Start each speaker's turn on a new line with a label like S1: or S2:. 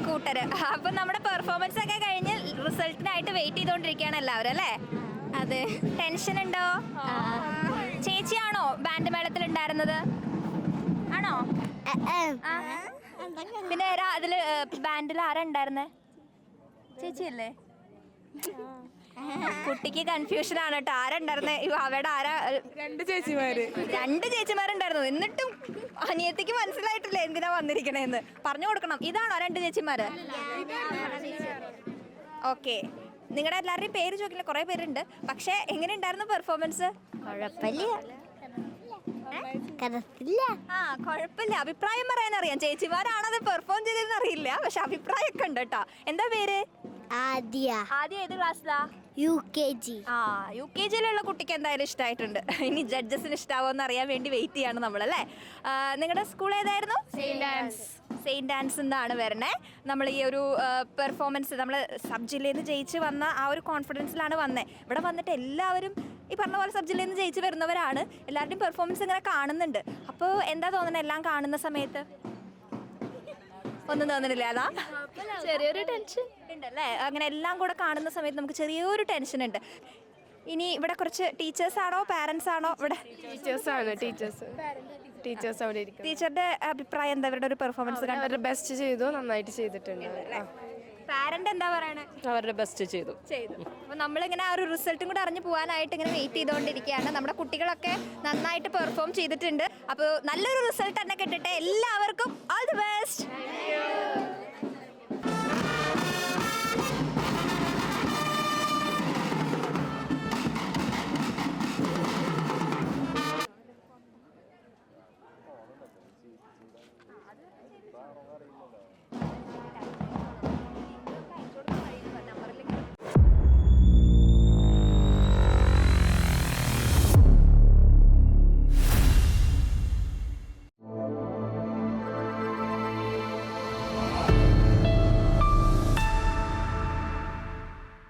S1: കൂട്ടര്. അപ്പൊ നമ്മുടെ പെർഫോമൻസ് ഒക്കെ കഴിഞ്ഞ് റിസൾട്ടിനായിട്ട് വെയിറ്റ് ചെയ്തോണ്ടിരിക്കുകയാണ് എല്ലാവരും അല്ലേ?
S2: അതെ.
S1: ടെൻഷൻ ഉണ്ടോ? ചേച്ചിയാണോ ബാൻഡ് മേളത്തിൽ ഉണ്ടായിരുന്നത്? ആണോ? ആ. പിന്നെ അതില് ബാൻഡിൽ ആരാ ഉണ്ടായിരുന്നേ? ചേച്ചിയല്ലേ? കുട്ടിക്ക് കൺഫ്യൂഷൻ ആണ് കേട്ടോ. ആരാ ഉണ്ടായിരുന്നേ? അവിടെ ആരാ?
S3: രണ്ട്
S1: ചേച്ചിമാരുണ്ടായിരുന്നു. എന്നിട്ടും അനിയത്തിക്ക് മനസ്സിലായിട്ടില്ല എന്തിനാ വന്നിരിക്കണേന്ന്. പറഞ്ഞു കൊടുക്കണം. ഇതാണോ 2 ചേച്ചിമാര്? ഓക്കെ. നിങ്ങളുടെ എല്ലാവരുടെയും പേര് ചോദിക്കില്ല, കുറെ പേരുണ്ട്. പക്ഷെ എങ്ങനെ ഉണ്ടായിരുന്നു പെർഫോമൻസ്? കുഴപ്പമില്ല. അഭിപ്രായം പറയാനറിയാം. ചേച്ചിമാരാണത് പെർഫോം ചെയ്തതെന്ന് അറിയില്ല, പക്ഷെ അഭിപ്രായമൊക്കെ ഉണ്ട് കേട്ടോ. എന്താ പേര്?
S2: ആദ്യ
S1: ഏത് ക്ലാസ്സിലാ?
S2: UKG.
S1: UKG-യിലുള്ള കുട്ടിക്ക് എന്തായാലും ഇഷ്ടമായിട്ടുണ്ട്. ഇനി ജഡ്ജസിന് ഇഷ്ടാവോന്ന് അറിയാൻ വേണ്ടി വെയിറ്റ് ചെയ്യാണ് നമ്മളല്ലേ. നിങ്ങളുടെ സ്കൂൾ ഏതായിരുന്നു? സെയിൻറ്റ് ആൻസ് എന്നാണ് വരണേ. നമ്മൾ ഈ ഒരു പെർഫോമൻസ് നമ്മൾ സബ് ജില്ലയിൽ നിന്ന് ജയിച്ച് വന്ന ആ ഒരു കോൺഫിഡൻസിലാണ് വന്നത്. ഇവിടെ വന്നിട്ട് എല്ലാവരും ഈ പറഞ്ഞ പോലെ സബ് ജില്ലയിൽ നിന്ന് ജയിച്ച് വരുന്നവരാണ്. എല്ലാവരുടെയും പെർഫോമൻസ് ഇങ്ങനെ കാണുന്നുണ്ട്. അപ്പോൾ എന്താ തോന്നുന്നത് എല്ലാം കാണുന്ന സമയത്ത്? ഒന്നും തോന്നുന്നില്ല. അതാ
S2: ചെറിയൊരു ടെൻഷൻ
S1: ഉണ്ടല്ലേ. അങ്ങനെ എല്ലാം കൂടെ കാണുന്ന സമയത്ത് നമുക്ക് ചെറിയൊരു ടെൻഷൻ ഉണ്ട്. ഇനി ഇവിടെ കുറച്ച് ടീച്ചേഴ്സാണോ പാരൻസ് ആണോ? ഇവിടെ
S3: ടീച്ചേഴ്സ് അവിടെ ഇരിക്കും.
S1: ടീച്ചറുടെ അഭിപ്രായം എന്താ? അവരുടെ ഒരു പെർഫോമൻസ്
S3: അവരുടെ ബെസ്റ്റ് ചെയ്തു, നന്നായിട്ട് ചെയ്തിട്ടുണ്ട്.
S1: പാരന്റ് എന്താ പറയണേ?
S3: അവരുടെ ബെസ്റ്റ് ചെയ്തു.
S1: അപ്പോൾ നമ്മളിങ്ങനെ ആ ഒരു റിസൾട്ടും കൂടെ അറിഞ്ഞു പോകാനായിട്ട് ഇങ്ങനെ വെയിറ്റ് ചെയ്തുകൊണ്ടിരിക്കുകയാണ്. നമ്മുടെ കുട്ടികളൊക്കെ നന്നായിട്ട് പെർഫോം ചെയ്തിട്ടുണ്ട്. അപ്പോൾ നല്ലൊരു റിസൾട്ട് തന്നെ കിട്ടട്ടെ എല്ലാവർക്കും.